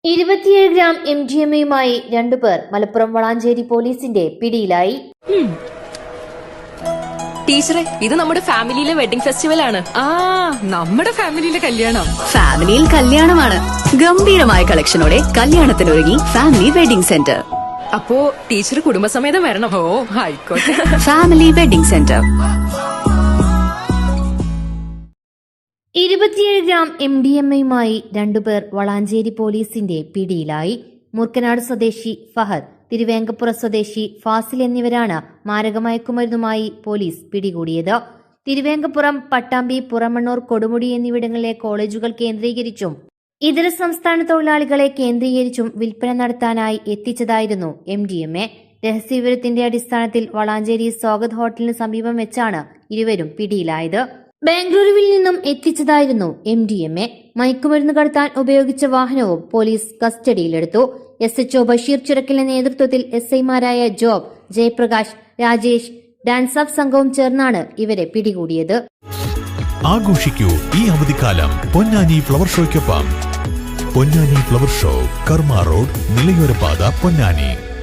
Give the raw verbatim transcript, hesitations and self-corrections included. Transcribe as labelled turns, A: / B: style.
A: ഇരുപത്തിയേഴ് gram M D M എയുമായി രണ്ടുപേർ മലപ്പുറം വളാഞ്ചേരി പോലീസിന്റെ പിടിയിലായി.
B: ടീച്ചറെ, ഇത് നമ്മുടെ ഫാമിലിയിലെ വെഡിങ് ഫെസ്റ്റിവൽ ആണ്.
C: ആ നമ്മുടെ ഫാമിലിയിലെ കല്യാണം.
D: ഫാമിലിയിൽ കല്യാണമാണ്. ഗംഭീരമായ കളക്ഷനോടെ കല്യാണത്തിനൊരുങ്ങി ഫാമിലി വെഡിംഗ് സെന്റർ.
B: അപ്പോ ടീച്ചർ കുടുംബസമേതം വരണം.
C: ഓ ആയിക്കോട്ടെ.
D: Family wedding centre.
A: ഇരുപത്തിയേഴ് ഗ്രാം എം ഡി എം എയുമായി രണ്ടുപേർ വളാഞ്ചേരി പോലീസിന്റെ പിടിയിലായി. മൂർക്കനാട് സ്വദേശി ഫഹദ്, തിരുവേങ്കപ്പുറ സ്വദേശി ഫാസിൽ എന്നിവരാണ് മാരകമയക്കുമരുന്നുമായി പോലീസ് പിടികൂടിയത്. തിരുവേങ്കപ്പുറം, പട്ടാമ്പി, പുറമണ്ണൂർ, കൊടുമുടി എന്നിവിടങ്ങളിലെ കോളേജുകൾ കേന്ദ്രീകരിച്ചും ഇതര സംസ്ഥാന തൊഴിലാളികളെ കേന്ദ്രീകരിച്ചും വിൽപ്പന നടത്താനായി എത്തിച്ചതായിരുന്നു എം ഡി എം എ. രഹസ്യവിവരത്തിന്റെ അടിസ്ഥാനത്തിൽ വളാഞ്ചേരി സ്വാഗത് ഹോട്ടലിന് സമീപം വെച്ചാണ് ഇരുവരും പിടിയിലായത്. ബാംഗ്ലൂരുവിൽ നിന്നും എത്തിച്ചതായിരുന്നു എം ഡി എം എ. മയക്കുമരുന്ന് കടത്താൻ ഉപയോഗിച്ച വാഹനവും പോലീസ് കസ്റ്റഡിയിലെടുത്തു. എസ് എച്ച് ഒ ബഷീർ ചിറക്കലിന്റെ നേതൃത്വത്തിൽ എസ് ഐമാരായ Job, Jayaprakash, Rajesh, DANSAF സംഘവും ചേർന്നാണ് ഇവരെ പിടികൂടിയത്.
E: ആഘോഷിക്കൂ ഈ അവധിക്കാലം പൊന്നാനി ഫ്ലവർ ഷോയ്ക്കൊപ്പം. Ponnani flower show, Karma road, നിലയോരപാത, പൊന്നാനി.